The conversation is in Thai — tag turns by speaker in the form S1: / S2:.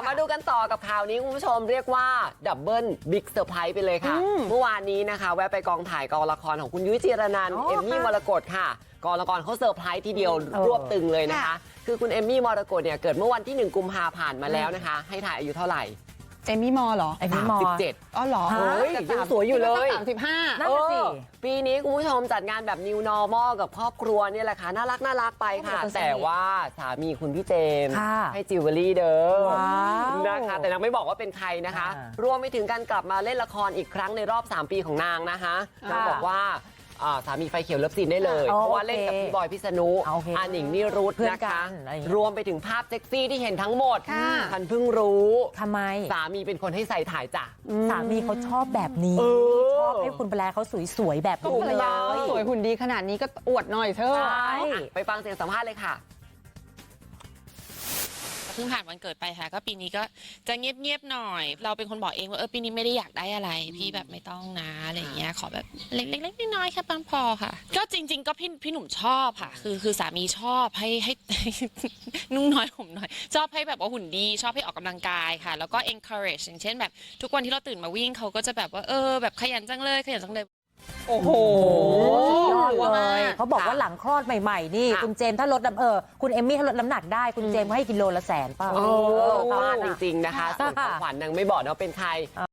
S1: มาดูกันต่อกับข่าวนี้คุณผู้ชมเรียกว่าดับเบิลบิ๊กเซอร์ไพรส์ไปเลยค่ะเมื่อวานนี้นะคะแวะไปกองถ่ายกองละครของคุณยุ้ยจีรนันท์เอมมี่มรกตค่ะกองละครเขาเซอร์ไพรส์ทีเดียวรวบตึงเลยนะคะคือคุณเอมมี่มรกตเนี่ยเกิดเมื่อวันที่1 กุมภาพันธ์มาแล้วนะคะให้ถ่ายอายุเท่าไหร่
S2: เอมมี่มอเหรอ
S1: เอมมี่ม37
S2: อ๋อเหรอ
S1: ยังสวยอยู่เลย
S2: 35
S3: นั่นสิ
S1: ปีนี้คุณผู้ชมจัดงานแบบ New Normal กับครอบครัวเนี่ยแหละค่ะน่ารักไปค่ะแต่ว่าสามีคุณพี่เจมส์ให้จิวเวลรี่เด้อนะคะแต่นางไม่บอกว่าเป็นใครนะคะรวมไปถึงการกลับมาเล่นละครอีกครั้งในรอบ3 ปีของนางนะคะนางบอกว่าสามีไฟเขียวเลิฟซีนได้เลยเพราะว่าเล่นกับพี่บอยพิษณุอาหนิงนิรุธนะคะรวมไปถึงภาพเซ็กซี่ที่เห็นทั้งหมดฉันเพิ่งรู้
S3: ทำไม
S1: สามีเป็นคนให้ใส่ถ่ายจ้ะ
S3: สามีเขาชอบแบบนี้ชอบให้คุณภรรยาเขาสวยๆแบบนี้เลย
S2: สวยหุ่นดีขนาดนี้ก็อวดหน่อยเถอะ
S1: ไปฟังเสียงสัมภาษณ์เลยค่ะ
S4: เพิ่งผ่านวันเกิดไปค่ะก็ปีนี้ก็จะเงียบๆหน่อยเราเป็นคนบอกเองว่าปีนี้ไม่ได้อยากได้อะไรพี่แบบไม่ต้องนะอะไรอย่างเงี้ยขอแบบเล็กๆน้อยๆแค่พอค่ะก็จริงๆก็พี่หนุ่มชอบค่ะคือสามีชอบให้นุ่งน้อยห่มน้อยชอบให้แบบว่าหุ่นดีชอบให้ออกกำลังกายค่ะแล้วก็ encourage อย่างเช่นแบบทุกวันที่เราตื่นมาวิ่งเขาก็จะแบบว่าแบบขยันจังเลย
S2: โอ้โห
S3: ยอดเลยเขาบอกว่าหลังคลอดใหม่ๆนี่คุณเจมส์ถ้าลดคุณเอมมี่ถ้าลดน้ำหนักได้คุณเจมส์ก็ให้กิโลละ100,000ป่ะ
S1: ฟาดจริงๆนะคะส่วนของขวัญนางไม่บอกนะว่าเป็นใคร